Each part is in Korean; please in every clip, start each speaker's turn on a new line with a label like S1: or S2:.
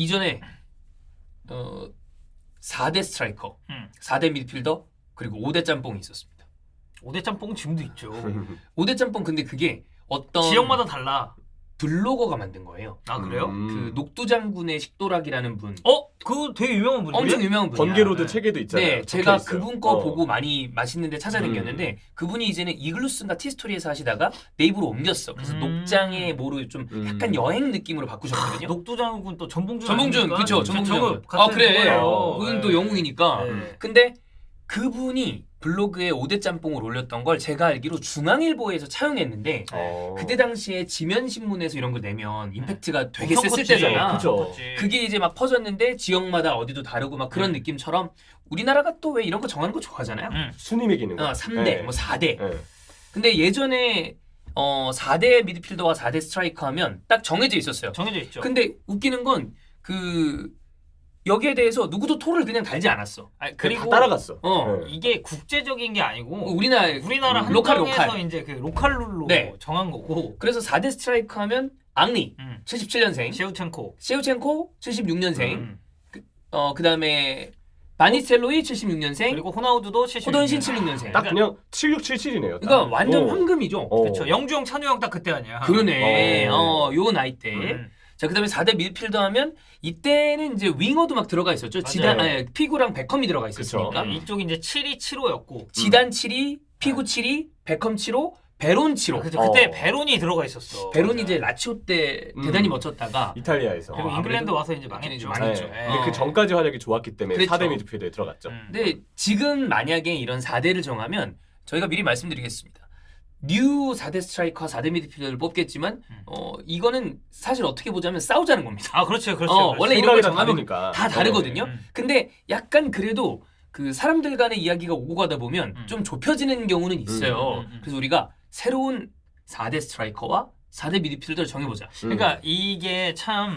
S1: 이전에 4대 스트라이커, 4대 미드필더 그리고 5대 짬뽕이 있었습니다.
S2: 5대 짬뽕 지금도 있죠.
S1: 5대 짬뽕 근데 그게 어떤
S2: 지역마다 달라.
S1: 블로거가 만든 거예요.
S2: 아 그래요?
S1: 그 녹두장군의 식도락이라는 분.
S2: 그거 되게 유명한 분이에요.
S1: 엄청 유명한 분이야.
S3: 번개로드
S1: 네.
S3: 책에도 있잖아요.
S1: 네, 제가
S3: 적혀있어요.
S1: 그분 거 보고 많이 맛있는데 찾아다녔는데 그분이 이제는 이글루스인가 티스토리에서 하시다가 네이버로 옮겼어. 그래서 녹장의 뭐로 좀 약간 여행 느낌으로 바꾸셨거든요.
S2: 녹두장군 또 전봉준.
S1: 전봉준, 그쵸, 전봉준.
S2: 아
S1: 그래.
S2: 거예요.
S1: 그건 또 영웅이니까.
S2: 네.
S1: 근데 그분이 블로그에 5대 짬뽕을 올렸던 걸 제가 알기로 중앙일보에서 차용했는데 그때 당시에 지면신문에서 이런 걸 내면 임팩트가 되게
S2: 엄청
S1: 셌을
S2: 컸지.
S1: 때잖아.
S3: 그죠.
S1: 그게 이제 막 퍼졌는데 지역마다 어디도 다르고 막 그런 느낌처럼 우리나라가 또 왜 이런 거 정하는 거 좋아하잖아요.
S3: 순위 매기는 거.
S1: 3대,
S3: 네.
S1: 뭐 4대.
S3: 네.
S1: 근데 예전에 4대 미드필더와 4대 스트라이커 하면 딱 정해져 있었어요.
S2: 정해져 있죠.
S1: 근데 웃기는 건 여기에 대해서 누구도 토를 그냥 달지 않았어.
S3: 그리고 다 따라갔어. 네.
S2: 이게 국제적인 게 아니고
S1: 우리나라
S2: 한정에서
S1: 로컬.
S2: 이제 그 로컬 룰로
S1: 네.
S2: 정한 거고.
S1: 그래서 4대 스트라이커 하면 앙리 77년생,
S2: 셰우첸코
S1: 76년생, 그다음에 바니스텔로이 76년생,
S2: 그리고 호나우두도 76년생.
S1: 호돈신 76년생.
S3: 딱 그냥 7677이네요.
S1: 그러니까 완전 황금이죠.
S2: 그렇죠. 영주형, 찬우형 딱 그때 아니야.
S1: 그러네. 요 나이 때. 자, 그다음에 4대 미드필더 하면 이때는 이제 윙어도 막 들어가 있었죠. 피구랑 베컴이 들어가 있었으니까.
S2: 이쪽이 이제 7이 7호였고.
S1: 지단 7이, 피구 7이, 베컴 7호, 베론 7호.
S2: 그때 베론이 들어가 있었어.
S1: 베론이 이제 라치오 때 대단히 멋졌다가
S3: 이탈리아에서.
S2: 그리고 잉글랜드 와서 이제 망했죠.
S1: 망했죠.
S3: 네. 근데 그 전까지 활약이 좋았기 때문에
S1: 그렇죠.
S3: 4대 미드필더에 들어갔죠.
S1: 근데 지금 만약에 이런 4대를 정하면 저희가 미리 말씀드리겠습니다. 뉴 4대 스트라이커 4대 미드필더를 뽑겠지만 이거는 사실 어떻게 보자면 싸우자는 겁니다.
S2: 아 그렇죠. 그렇죠.
S1: 원래 이런 걸
S3: 생각이 다
S1: 정하면
S3: 다르니까.
S1: 다 다르거든요. 근데 약간 그래도 그 사람들 간의 이야기가 오고 가다 보면 좀 좁혀지는 경우는 있어요. 그래서 우리가 새로운 4대 스트라이커와 4대 미드필더를 정해보자.
S2: 그러니까 이게 참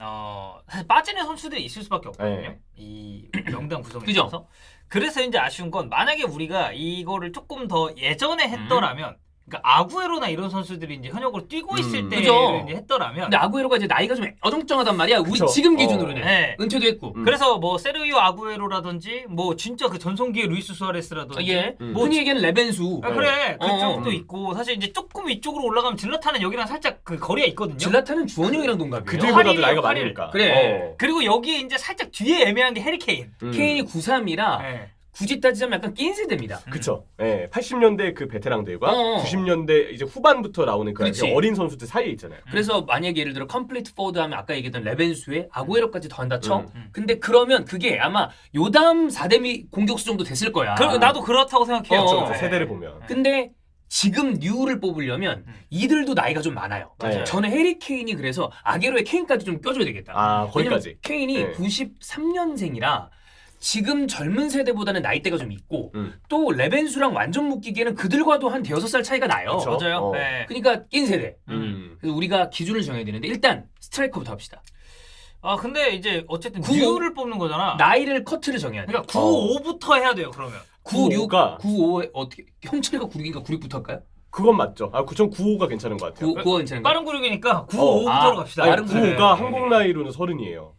S2: 사실 빠지는 선수들이 있을 수밖에 없거든요.
S3: 네.
S2: 이 명단 구성에
S1: 그죠?
S2: 있어서. 그래서 이제 아쉬운 건 만약에 우리가 이거를 조금 더 예전에 했더라면 그러니까 아구에로나 이런 선수들이 이제 현역으로 뛰고 있을 때
S1: 그죠.
S2: 이제 했더라면
S1: 근데 아구에로가 이제 나이가 좀 어정쩡하단 말이야. 우리
S3: 그쵸.
S1: 지금 기준으로는
S2: 네.
S1: 은퇴도 했고.
S2: 그래서 뭐 세르기오 아구에로라든지 뭐 진짜 그 전성기의 루이스 수아레스라든지
S1: 예.
S2: 뭐
S1: 흔히 얘기하는 레벤수.
S2: 그래 그쪽도
S1: 어.
S2: 있고 사실 이제 조금 위쪽으로 올라가면 질라타는 여기랑 살짝 그 거리가 있거든요.
S1: 질라타는 주원형이랑 동갑이에요.
S3: 그들보다도
S2: 활일이에요,
S3: 나이가
S2: 활일.
S3: 많으니까.
S1: 그래.
S2: 그리고 여기에 이제 살짝 뒤에 애매한 게 해리케인.
S1: 케인이 93이라
S2: 네.
S1: 굳이 따지자면 약간 낀 세대입니다.
S3: 그쵸. 예, 80년대 그 베테랑들과
S1: 어.
S3: 90년대 이제 후반부터 나오는 그
S1: 그렇지.
S3: 어린 선수들 사이에 있잖아요.
S1: 그래서 만약에 예를 들어 컴플리트 포워드 하면 아까 얘기했던 레벤수에 아구에로까지 더한다 쳐.
S2: 음.
S1: 근데 그러면 그게 아마 요담 4대 공격수 정도 됐을 거야.
S2: 나도 그렇다고 생각해요.
S1: 그렇죠.
S3: 그렇죠.
S2: 네.
S3: 세대를 보면.
S1: 근데 지금 뉴를 뽑으려면 이들도 나이가 좀 많아요.
S3: 맞아요.
S1: 저는 해리 케인이 그래서 아게로의 케인까지 좀 껴줘야 되겠다.
S3: 아, 거기까지.
S1: 왜냐면 케인이
S3: 네.
S1: 93년생이라 지금 젊은 세대보다는 나이대가 좀 있고
S3: 음.
S1: 또 레벤수랑 완전 묶이기에는 그들과도 한 대여섯 살 차이가 나요.
S3: 그쵸.
S2: 맞아요.
S3: 어.
S2: 네.
S1: 그러니까 낀 세대. 그래서 우리가 기준을 정해야 되는데 일단 스트라이커부터 합시다.
S2: 아 근데 이제 어쨌든
S1: 95
S2: 뉴를 뽑는 거잖아.
S1: 나이를 커트를 정해야 돼.
S2: 그러니까 95부터 해야 돼요. 그러면.
S1: 96가 95에 어떻게 형철이가 96인가 96부터 할까요?
S3: 그건 맞죠. 아, 9.95가 괜찮은 것 같아요.
S1: 9가 괜찮은가?
S2: 빠른 96이니까 95부터
S1: 아,
S2: 갑시다.
S1: 빠른
S3: 아니, 95가 한국 나이로는 30이에요.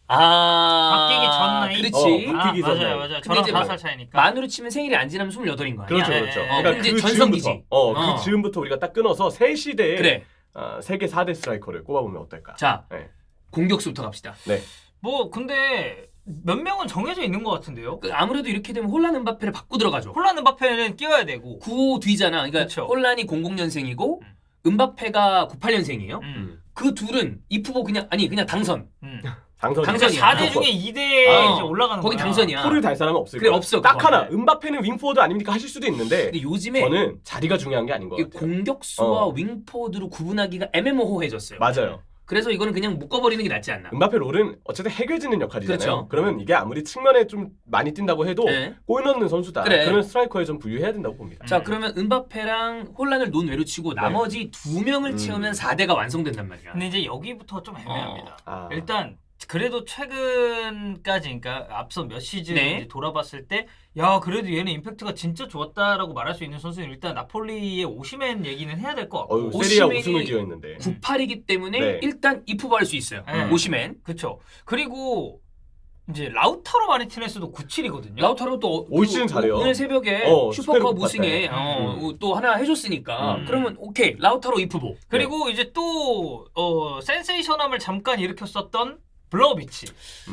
S2: 바뀌기 전 나이?
S1: 그렇지.
S3: 바뀌기 전 나이.
S2: 맞아요.
S1: 근데
S2: 저랑
S1: 이제
S2: 5살 차이니까.
S1: 만으로 치면 생일이 안 지나면 28인 거 아니야?
S3: 그렇죠,
S2: 네.
S3: 그렇죠.
S2: 네.
S3: 그러니까
S1: 이제
S3: 그
S1: 전성기지.
S3: 즈음부터, 그 즈음부터 우리가 딱 끊어서 세 시대에
S1: 그래.
S3: 세계 4대 스트라이커를 꼽아보면 어떨까?
S1: 자,
S3: 네.
S1: 공격수부터 갑시다.
S3: 네.
S2: 뭐 근데 몇 명은 정해져 있는 것 같은데요.
S1: 아무래도 이렇게 되면 혼란 음바페를 바꾸 들어가죠.
S2: 홀란 음바페는 끼워야 되고.
S1: 95 뒤잖아. 그러니까
S2: 그쵸.
S1: 혼란이 00년생이고 음바페가 98년생이에요.
S2: 음.
S1: 그 둘은 이프보 그냥 당선.
S3: 당선이야.
S1: 당선이야.
S2: 4대 중에 2대에 이제 올라가는
S1: 거기
S2: 거야.
S1: 당선이야.
S3: 포를 달 사람은 없을
S1: 그래,
S3: 거야.
S1: 없어,
S3: 딱
S1: 그거.
S3: 하나. 음바페는 윙포워드 아닙니까 하실 수도 있는데
S1: 근데 요즘에
S3: 저는 자리가 중요한 게 아닌 것
S1: 이
S3: 같아요.
S1: 공격수와 윙포드로 구분하기가 애매모호해졌어요.
S3: 맞아요.
S1: 그래서 이거는 그냥 묶어버리는 게 낫지 않나.
S3: 음바페 롤은 어쨌든 해결짓는 역할이잖아요.
S1: 그렇죠.
S3: 그러면 이게 아무리 측면에 좀 많이 뛴다고 해도
S1: 네.
S3: 골 넣는 선수다.
S1: 그래.
S3: 그러면 스트라이커에 좀 분류해야 된다고 봅니다.
S1: 자, 그러면 음바페랑 혼란을 논외로 치고 나머지 두 명을 채우면 4대가 완성된단 말이야.
S2: 근데 이제 여기부터 좀 애매합니다.
S3: 아.
S2: 일단 그래도 최근까지 그러니까 앞서 몇 시즌
S1: 네.
S2: 이제 돌아봤을 때 야 그래도 얘는 임팩트가 진짜 좋았다라고 말할 수 있는 선수는 일단 나폴리의 오시멘 얘기는 해야 될 것 같고
S3: 어유 세리아
S1: 오시멘이
S3: 우승을 기여했는데.
S1: 98이기 때문에
S3: 네.
S1: 일단 이프할 수 있어요.
S2: 네.
S1: 오시멘.
S2: 그렇죠. 그리고 이제 라우타로 마르티네스도 97이거든요.
S1: 라우타로 또
S3: 올 시즌 잘해요.
S1: 오늘 새벽에
S3: 슈퍼컵
S1: 슈퍼컵 우승에 또 하나 해줬으니까 그러면 오케이 라우타로 이프보.
S2: 그리고 이제 또 센세이션함을 잠깐 일으켰었던 블라우비치.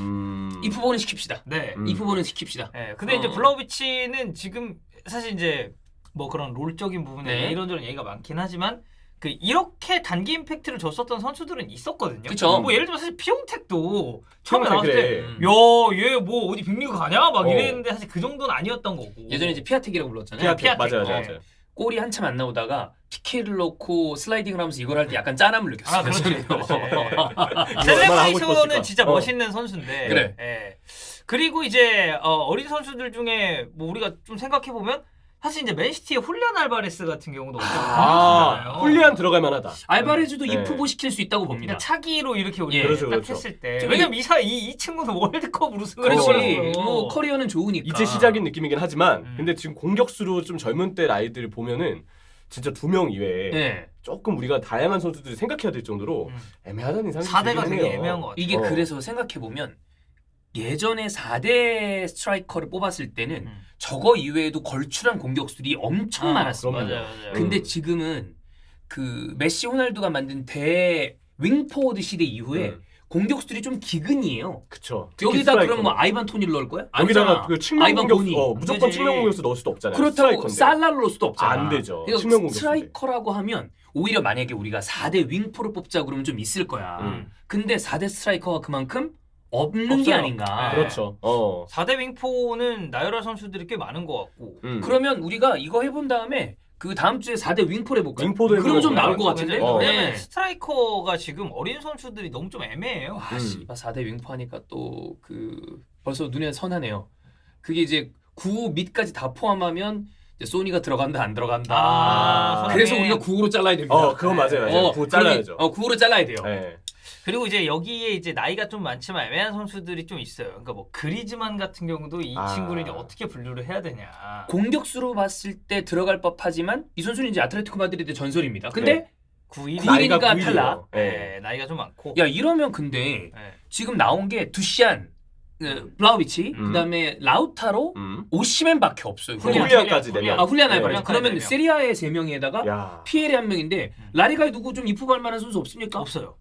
S1: 이프보는 시킵시다.
S2: 네.
S1: 이프보는 시킵시다.
S2: 네. 근데 이제 블라우비치는 지금 사실 이제 뭐 그런 롤적인 부분에
S1: 네.
S2: 이런저런 얘기가 많긴 하지만 그 이렇게 단기 임팩트를 줬었던 선수들은 있었거든요.
S1: 그쵸.
S2: 뭐 예를 들면 사실 피용택도 처음에
S3: 피용택,
S2: 나왔을 때
S3: 그래.
S2: 야, 얘 뭐 어디 빅리그 가냐? 막
S3: 어.
S2: 이랬는데 사실 그 정도는 아니었던 거고.
S1: 예전에 이제 피아텍이라고 불렀잖아요.
S3: 피아텍 맞아요,
S2: 네.
S3: 맞아요.
S1: 골이 한참 안 나오다가 PK를 넣고 슬라이딩을 하면서 이걸 할 때 약간 짠함을 느꼈어요.
S2: 아, 그렇지. 그렇지.
S3: 얼마나 하고
S2: 셀레브레이션은
S3: 싶었을까.
S2: 진짜 멋있는 선수인데.
S1: 그래.
S2: 예. 그리고 이제 어린 선수들 중에 뭐 우리가 좀 생각해 보면 사실 이제 맨시티의 훌리안 알바레스 같은 경우도 엄청
S3: 아, 훌리안 들어갈 만하다.
S1: 알바레즈도
S3: 네.
S1: 이프보 시킬 수 있다고 봅니다.
S2: 그러니까 차기로 이렇게 우리
S1: 예.
S3: 그렇죠,
S2: 딱
S3: 그렇죠.
S2: 했을 때
S1: 좀
S2: 왜냐면 이 친구는 월드컵 우승을
S1: 그렇지.
S2: 했어요.
S1: 뭐 커리어는 좋으니까.
S3: 이제 시작인 느낌이긴 하지만
S2: 음.
S3: 근데 지금 공격수로 좀 젊은 때 아이들 보면은 진짜 2명 이외에
S1: 네.
S3: 조금 우리가 다양한 선수들이 생각해야 될 정도로 애매하다는 이상이
S2: 4대가
S3: 들긴
S2: 되게
S3: 해요.
S2: 애매한 것 같아요.
S1: 이게 그래서 생각해 보면 예전에 4대 스트라이커를 뽑았을 때는 저거 이외에도 걸출한 공격수들이 엄청 많았어요.
S3: 그럼요.
S2: 맞아요, 맞아요.
S1: 근데 지금은 그 메시 호날두가 만든 대 윙포워드 시대 이후에 공격수들이 좀 기근이에요.
S3: 그쵸. 특히
S1: 여기다
S3: 스트라이커는.
S1: 그럼 뭐 아이반 토니를 넣을 거야?
S3: 여기다가
S1: 아니잖아.
S3: 그 측면
S1: 아이반
S3: 공격수
S1: 보니.
S3: 무조건
S2: 되지.
S3: 측면 공격수 넣을 수도 없잖아요.
S1: 그렇다고
S3: 스트라이커인데.
S1: 살라를 넣을 수도 없잖아.
S3: 안 되죠.
S1: 그러니까
S3: 측면 공격수인데.
S1: 스트라이커라고 하면 오히려 만약에 우리가 4대 윙포를 뽑자 그러면 좀 있을 거야. 근데 4대 스트라이커가 그만큼 없는 게
S2: 없어요.
S1: 아닌가.
S2: 네.
S3: 그렇죠.
S2: 4대 윙포는 나열할 선수들이 꽤 많은 것 같고
S1: 그러면 우리가 이거 해본 다음에 그 다음 주에 4대 윙포를 해볼까요?
S3: 윙포도
S1: 그러면 좀
S3: 해보고
S1: 나올 것 같은데?
S3: 어.
S2: 왜냐면
S1: 네.
S2: 스트라이커가 지금 어린 선수들이 너무 좀 애매해요.
S1: 와, 씨, 4대 윙포 하니까 또 그 벌써 눈에 선하네요. 그게 이제 9호 밑까지 다 포함하면 이제 소니가 들어간다 안 들어간다.
S2: 손흥민.
S1: 그래서 우리가 9호로 잘라야 됩니다.
S3: 그건 맞아요. 맞아요. 그거 잘라야죠.
S1: 9호로 잘라야 돼요.
S3: 네.
S2: 그리고 이제 여기에 이제 나이가 좀 많지만 애매한 선수들이 좀 있어요. 그러니까 뭐 그리즈만 같은 경우도 이 친구를 이제 어떻게 분류를 해야 되냐.
S1: 공격수로 봤을 때 들어갈 법하지만 이 선수는 이제 아틀레티코 마드리드 전설입니다. 근데
S3: 네.
S2: 9일이
S1: 나이가
S3: 나이가
S1: 9일이니까 탈락.
S3: 9일이에요. 네.
S2: 나이가 좀 많고.
S1: 야 이러면 근데
S2: 네.
S1: 지금 나온 게 두시안, 블라우비치,
S3: 음.
S1: 그다음에 라우타로, 오시멘밖에 없어요.
S3: 훌리안까지
S2: 훌리안.
S3: 내면.
S1: 훌리안
S3: 네.
S1: 알바레스. 그러면
S2: 훌리안
S1: 세리아의 3명에다가
S3: 야.
S1: 피에레 1명인데 라리가에 누구 좀 이프할 만한 선수 없습니까?
S2: 없어요.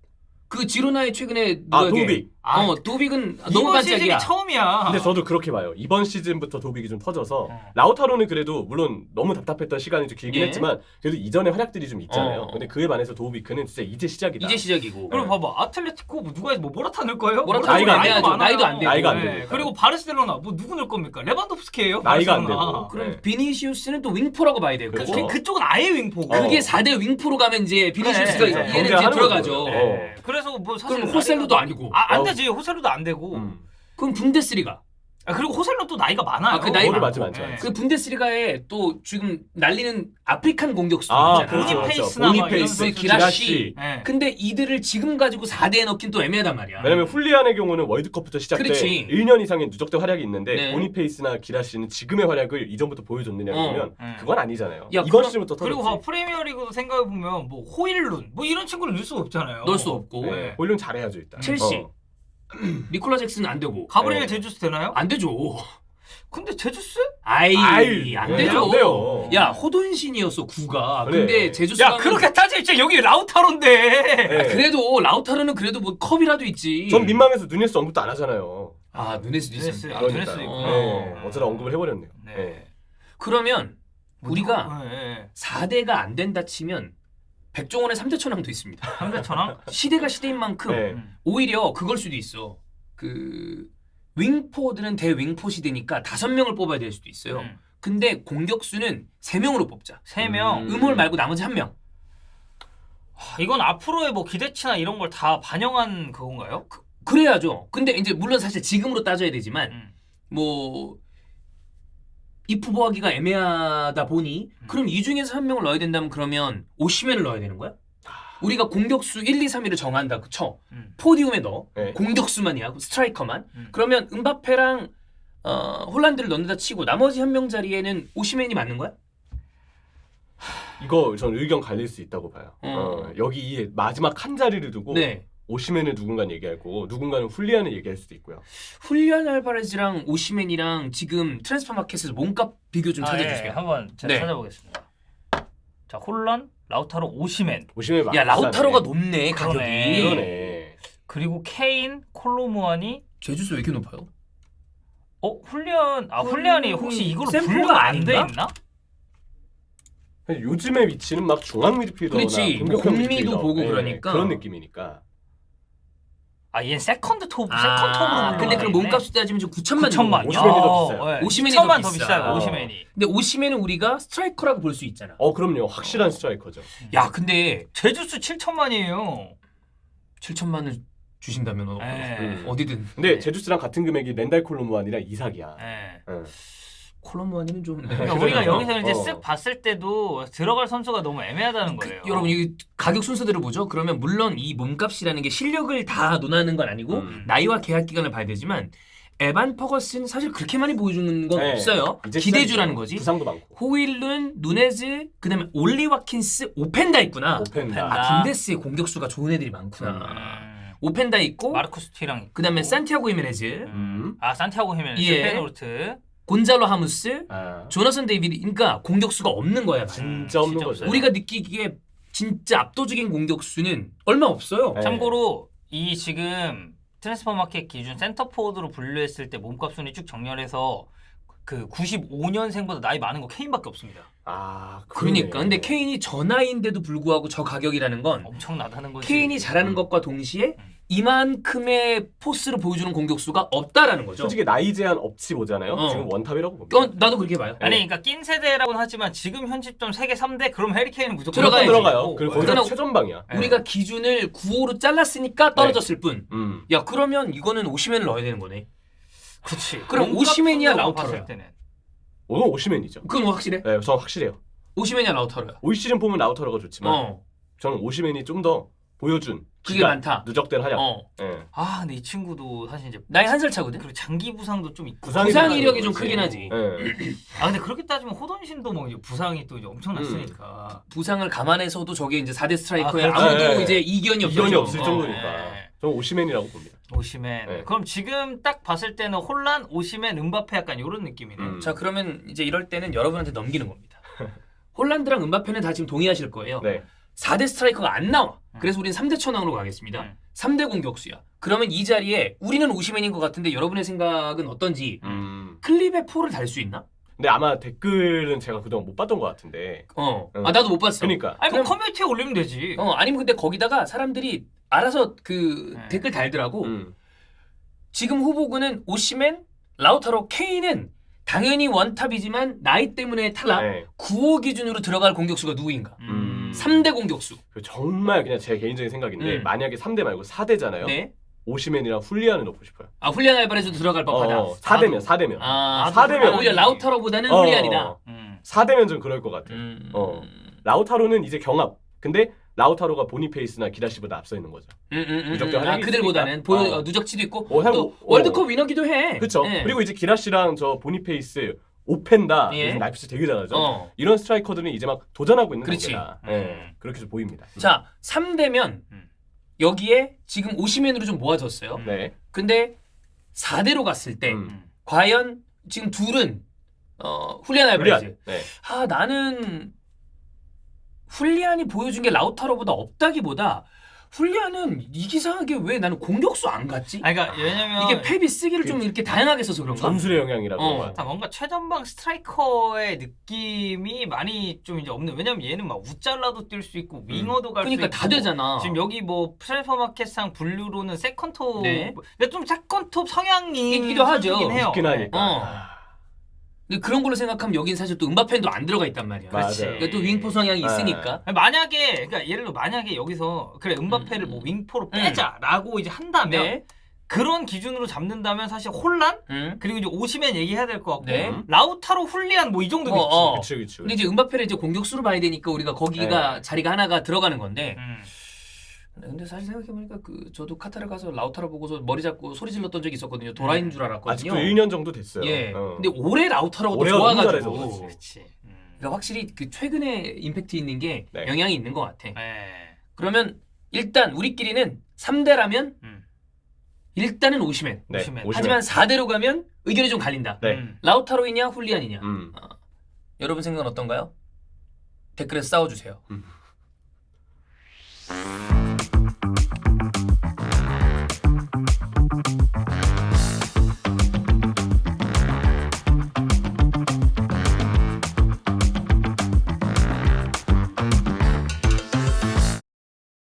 S1: 그 지로나에 최근에 누가
S3: 도빅.
S1: 도빅은 너무
S2: 이번 시즌이
S1: 반짝이야.
S2: 처음이야.
S3: 근데 저도 그렇게 봐요. 이번 시즌부터 도빅이 좀 터져서
S2: 어.
S3: 라우타로는 그래도 물론 너무 답답했던 시간이 좀 길긴
S1: 예.
S3: 했지만 그래도 이전에 활약들이 좀 있잖아요.
S1: 어.
S3: 근데 그에 반해서 도빅은 진짜 이제 시작이다.
S1: 이제 시작이고.
S2: 그리고 봐봐 아틀레티코 뭐 누가 뭐 모라타 넣을 거예요?
S1: 모라타
S3: 나이가 안
S1: 애매하죠.
S2: 많아요.
S1: 나이도 안 되고.
S3: 나이가 안
S2: 네.
S3: 되니까.
S2: 그리고 바르셀로나 뭐 누구 넣을 겁니까? 레반도프스키예요.
S3: 나이가 안
S2: 바르셀로나.
S3: 되고.
S1: 그럼
S3: 네.
S1: 비니시우스는 또 윙포라고 봐야 되고.
S3: 그렇죠.
S2: 그쪽은 아예 윙포고.
S1: 그게 4대 윙포로 가면 이제 비니시우스가
S2: 그래,
S1: 얘는
S2: 그래.
S1: 이제
S3: 경쟁하는
S1: 들어가죠.
S3: 거죠.
S2: 네. 그래서 뭐 사실
S1: 그럼 호셀루도 아니고.
S2: 안 되지. 호셀루도 안 되고.
S1: 그럼 분데스리가.
S2: 그리고 호셀루 또 나이가 많아요.
S1: 그 나이
S3: 그거도
S1: 많고.
S3: 맞지.
S2: 네.
S1: 그 분데스리가에 또 지금 날리는 아프리칸 공격수 있잖아.
S3: 그렇죠,
S2: 보니페이스나 막 이런
S3: 보니페이스,
S2: 선수들.
S1: 기라시.
S2: 네.
S1: 근데 이들을 지금 가지고 4대에 넣긴 또 애매하단 말이야.
S3: 왜냐면 훌리안의 경우는 월드컵부터 시작 때
S1: 그렇지.
S3: 1년 이상의 누적된 활약이 있는데
S1: 네.
S3: 보니페이스나 기라시는 지금의 활약을 이전부터 보여줬느냐 그러면
S2: 그건
S3: 아니잖아요.
S1: 야,
S3: 이번
S1: 그럼-
S3: 시즌부터
S2: 그리고
S3: 터졌지.
S2: 봐, 프리미어리그도 생각해 보면 뭐 호일룬 뭐 이런 친구를 넣을 수 없잖아요.
S1: 넣을 수 없고.
S3: 네. 볼륨 잘해야죠 일단.
S1: 첼시.
S3: 어.
S1: 니콜라 잭슨은 안 되고.
S2: 가브리엘
S3: 네.
S2: 제주스 되나요?
S1: 안 되죠.
S2: 근데 제주스?
S1: 아이,
S3: 아이,
S1: 안
S3: 네,
S1: 되죠.
S3: 안 돼요.
S1: 야, 호돈신이었어, 구가.
S3: 그래.
S1: 근데 제주스가
S2: 야 그렇게 따지면 여기 라우타로인데.
S3: 네.
S1: 그래도 라우타르는 그래도 뭐 컵이라도 있지.
S3: 전 민망해서 누네스 언급도 안 하잖아요.
S1: 아, 누네스도
S2: 누네스.
S1: 있었네.
S2: 아,
S3: 그러니까요.
S2: 누네스도 있구나.
S3: 네. 어쩌다 언급을 해버렸네요.
S2: 네.
S3: 네.
S1: 그러면 우리가
S2: 네.
S1: 4대가 안 된다 치면 백종원의 3대 천왕도 있습니다.
S2: 3대 천왕?
S1: 시대가 시대인 만큼
S3: 네.
S1: 오히려 그걸 수도 있어. 그 윙포드는 대윙포 시대니까 5명을 뽑아야 될 수도 있어요. 근데 공격수는 3명으로 뽑자.
S2: 3명.
S1: 음홀 말고 나머지 1명.
S2: 이건 앞으로의 뭐 기대치나 이런 걸 다 반영한 그건가요?
S1: 그래야죠. 근데 이제 물론 사실 지금으로 따져야 되지만
S2: 음.
S1: 뭐 이프보하기가 애매하다 보니 그럼 이 중에서 1명을 넣어야 된다면 그러면 오시멘을 넣어야 되는 거야? 우리가 공격수 1, 2, 3위를 정한다고 쳐.
S2: 음.
S1: 포디움에 넣어.
S3: 네.
S1: 공격수만이야. 스트라이커만.
S2: 음.
S1: 그러면 음바페랑 홀란드를 넣는다 치고 나머지 한 명 자리에는 오시멘이 맞는 거야?
S3: 이거 전 의견 갈릴 수 있다고 봐요.
S1: 어.
S3: 여기 이 마지막 한 자리를 두고
S1: 네.
S3: 오시멘을 누군가는 얘기하고 누군가는 훌리안을 얘기할 수도 있고요.
S1: 훌리안 알바레즈랑 오시멘이랑 지금 트랜스퍼 마켓에서 몸값 비교 좀 찾아주세요.
S2: 한번 제가
S1: 네.
S2: 찾아보겠습니다. 자, 홀란, 라우타로, 오시멘.
S3: 오시멘
S1: 야 라우타로가
S3: 비싸네.
S1: 높네 가격이.
S2: 그러네.
S3: 그러네.
S2: 그리고 케인, 콜로무아니.
S1: 제주스 왜 이렇게 높아요?
S2: 훌리안이 혹시 이걸로
S1: 샘플가
S2: 분류가 안 돼
S1: 아닌가?
S2: 있나?
S3: 요즘의 위치는 막 중앙 미드필더나
S1: 그렇지.
S3: 공격형
S1: 공미도
S3: 미드필더.
S1: 보고
S3: 네,
S1: 그러니까.
S3: 그런 느낌이니까.
S2: 얘는 세컨드 톱,
S1: 아,
S2: 세컨 톱으로.
S1: 근데 그럼 몸값을 따지면 좀 9천만
S2: 9천만.
S3: 오시멘이 더 비싸요.
S1: 오시멘이
S2: 2천만
S1: 더
S2: 더
S1: 비싸.
S2: 비싸요. 오시멘이.
S1: 근데 오시멘은 우리가 스트라이커라고 볼 수 있잖아.
S3: 그럼요. 확실한 스트라이커죠.
S1: 야 근데
S2: 제주스 7천만이에요.
S1: 7천만을 주신다면
S2: 네.
S1: 어디든.
S3: 근데 제주스랑 같은 금액이 렌달 콜로무안이랑 이삭이야.
S2: 네.
S3: 응.
S1: 콜롬보아니는 좀.
S2: 그러니까 우리가
S1: 그래요.
S2: 여기서 이제
S3: 어.
S2: 쓱 봤을 때도 들어갈 선수가 너무 애매하다는 거예요.
S1: 여러분 이 가격 순서대로 보죠. 그러면 물론 이 몸값이라는 게 실력을 다 논하는 건 아니고 나이와 계약 기간을 봐야 되지만 에반 퍼거스는 사실 그렇게 많이 보여주는 건
S3: 네.
S1: 없어요.
S3: 이제
S1: 기대주라는
S3: 시작이죠.
S1: 거지.
S3: 부상도 많고.
S1: 호일룬, 누네즈, 그다음에 올리 와킨스, 오펜다 있구나.
S3: 오펜다.
S1: 아 분데스의 공격수가 좋은 애들이 많구나. 오펜다 있고
S2: 마르쿠스 티랑
S1: 그다음에 산티아고 히메네즈,
S2: 산티아고 히메네즈,
S1: 예.
S2: 페노르트.
S1: 곤잘로 하무스,
S3: 아,
S1: 조나선 데이비드. 그러니까 공격수가 없는 거야.
S3: 진짜 없는
S2: 진짜
S3: 거죠.
S2: 없어요.
S1: 우리가 느끼기에 진짜 압도적인 공격수는 얼마 없어요.
S3: 네.
S2: 참고로 이 지금 트랜스퍼마켓 기준 센터포워드로 분류했을 때 몸값 순위 쭉 정렬해서 그 95년생보다 나이 많은 거 케인밖에 없습니다.
S3: 아,
S1: 그러니까
S3: 그러네.
S1: 근데 케인이 저 나이인데도 불구하고 저 가격이라는 건
S2: 엄청나다는 거지.
S1: 케인이 잘하는 것과 동시에 이만큼의 포스를 보여주는 공격수가 없다라는 거죠.
S3: 솔직히 나이 제한 없이 보잖아요.
S1: 어.
S3: 지금 원탑이라고 봅니다.
S1: 나도 그렇게 봐요.
S2: 아니 그러니까 낀 세대라고는 하지만 지금 현 시점 세계 3대 그럼 해리케인은 무조건
S1: 들어가야지.
S3: 들어가요. 그리고 거기서
S1: 그러나
S3: 최전방이야.
S1: 우리가 기준을 9호로 잘랐으니까 떨어졌을 뿐.
S3: 음.
S1: 야 그러면 이거는 오시멘을 넣어야 되는 거네.
S2: 그렇지.
S1: 그럼
S2: 몸값
S1: 오시멘이야,
S2: 순으로
S1: 라우타로야?
S2: 봤을 때는.
S3: 오늘 오시멘이죠.
S1: 그건 확실해.
S3: 네, 저 확실해요.
S1: 오시멘이야 라우타로야.
S3: 올 시즌 보면 라우타로가 좋지만 저는 오시멘이 좀 더 보여준
S1: 그게
S3: 기간,
S1: 많다.
S3: 누적된 활약.
S1: 어.
S3: 예.
S2: 근데 이 친구도 사실 이제
S1: 나이 한 살 차거든.
S2: 그리고 장기 부상도 좀 있고.
S3: 부상이
S1: 부상
S3: 많아요,
S1: 이력이 좀
S3: 그렇지.
S1: 크긴 하지.
S3: 예.
S2: 근데 그렇게 따지면 호돈신도 뭐 이제 부상이 또 이제 엄청 났으니까.
S1: 부상을 감안해서도 저게 이제 4대 스트라이커에
S2: 그렇죠.
S1: 아무도
S3: 네.
S1: 이제 이견이 없죠.
S3: 이견이 없을
S2: 어,
S3: 정도니까.
S2: 네.
S3: 저는 오시멘이라고 봅니다.
S2: 오시멘.
S3: 네.
S2: 그럼 지금 딱 봤을 때는 홀란, 오시멘, 음바페 약간 이런 느낌이네.
S1: 자 그러면 이제 이럴 때는 여러분한테 넘기는 겁니다. 홀란드랑 음바페는 다 지금 동의하실 거예요.
S3: 네.
S1: 4대 스트라이커가 안 나와. 그래서 우리는 3대 천왕으로 가겠습니다. 3대 공격수야. 그러면 이 자리에 우리는 오시멘인 것 같은데 여러분의 생각은 어떤지 클립에 포를 달 수 있나?
S3: 근데 아마 댓글은 제가 그동안 못 봤던 것 같은데.
S1: 나도 못 봤어.
S3: 그러니까.
S2: 아니 뭐
S1: 그럼-
S2: 커뮤니티에 올리면 되지.
S1: 아니면 근데 거기다가 사람들이 알아서 그
S2: 네.
S1: 댓글 달더라고.
S3: 음.
S1: 지금 후보군은 오시멘, 라우타로, 케인은 당연히 원탑이지만 나이 때문에 탈락.
S3: 네.
S1: 9호 기준으로 들어갈 공격수가 누구인가?
S3: 음.
S1: 3대 공격수.
S3: 정말 그냥 제 개인적인 생각인데 만약에 3대 말고 4대잖아요.
S1: 네.
S3: 오시멘이랑 훌리안을 넣고 싶어요.
S1: 훌리안 알바레즈도 들어갈 법하다.
S3: 4대면 4대면.
S1: 아,
S2: 나도
S1: 4대면 오히려 라우타로보다는 훌리안이다.
S3: 4대면 좀 그럴 것 같아요. 라우타로는 이제 경합. 근데 라우타로가 보니페이스나 기라시보다 앞서 있는 거죠. 누적된 활약이
S1: 그들보다는
S3: 있으니까.
S1: 누적치도 있고
S3: 하고,
S1: 또 월드컵 위너기도 해.
S3: 그렇죠.
S1: 네.
S3: 그리고 이제 기라시랑 저 보니페이스, 오펜다,
S1: 예.
S3: 요즘 라이프스 되게 잘하죠.
S1: 어.
S3: 이런 스트라이커들은 이제 막 도전하고 있는
S1: 그렇지.
S3: 단계다. 예. 그렇게 좀 보입니다.
S1: 자, 3대면 여기에 지금 오시멘으로 좀 모아졌어요.
S3: 네.
S1: 근데 4대로 갔을 때 과연 지금 둘은 훌리안 알바레즈.
S3: 훌리안. 네.
S1: 나는 훌리안이 보여준 게 라우타로보다 없다기보다 훌리안은 이기상하게 왜 나는 공격수 안 갔지?
S2: 그러니까 왜냐면
S1: 이게 펩이 쓰기를 좀 이렇게 다양하게 써서 그런가?
S3: 전술의 영향이라고
S1: 어.
S3: 그런 것 같아요.
S2: 뭔가 최전방 스트라이커의 느낌이 많이 좀 이제 없는. 왜냐면 얘는 막 우짤라도 뛸 수 있고 윙어도 갈 수 있고.
S1: 그러니까 다 되잖아.
S2: 지금 여기 뭐 트랜스퍼마켓상 분류로는 세컨톱.
S1: 네.
S2: 근데 좀 세컨톱 성향이
S1: 있기도 하죠.
S2: 선수긴 해요.
S3: 있긴 하니까.
S1: 근데 그런 걸로 생각하면 여긴 사실 또 음바펜도 안 들어가 있단 말이야.
S3: 맞아요.
S1: 그러니까 또 윙포 성향이 있으니까.
S2: 아니, 만약에 그러니까 예를 들어 만약에 여기서 그래 음바페를 뭐 윙포로 빼자라고 이제 한다면
S1: 네.
S2: 그런 기준으로 잡는다면 사실 혼란 그리고 이제 오시멘 얘기해야 될 것 같고
S1: 네.
S2: 라우타로 훌리안 뭐 이 정도겠지.
S3: 그치, 그치.
S1: 근데 이제 음바페를 이제 공격수로 봐야 되니까 우리가 거기가 자리가 하나가 들어가는 건데 근데 사실 생각해보니까 저도 카타르 가서 라우타로 보고서 머리 잡고 소리 질렀던 적이 있었거든요. 도라인 줄 알았거든요.
S3: 아직도 1년 정도 됐어요.
S1: 예. 근데 올해 라우타로가 또
S3: 올해가 너무
S1: 좋아가지고.
S3: 잘해서
S2: 그렇지.
S1: 그러니까 확실히 최근에 임팩트 있는 게
S3: 네.
S1: 영향이 있는 것 같아.
S2: 네.
S1: 그러면 일단 우리끼리는 3대라면 일단은 오시멘.
S3: 네.
S2: 오시멘.
S1: 하지만 4대로 가면 의견이 좀 갈린다.
S3: 네.
S1: 라우타로이냐 훌리안이냐.
S3: 음.
S1: 여러분 생각은 어떤가요? 댓글에 싸워주세요.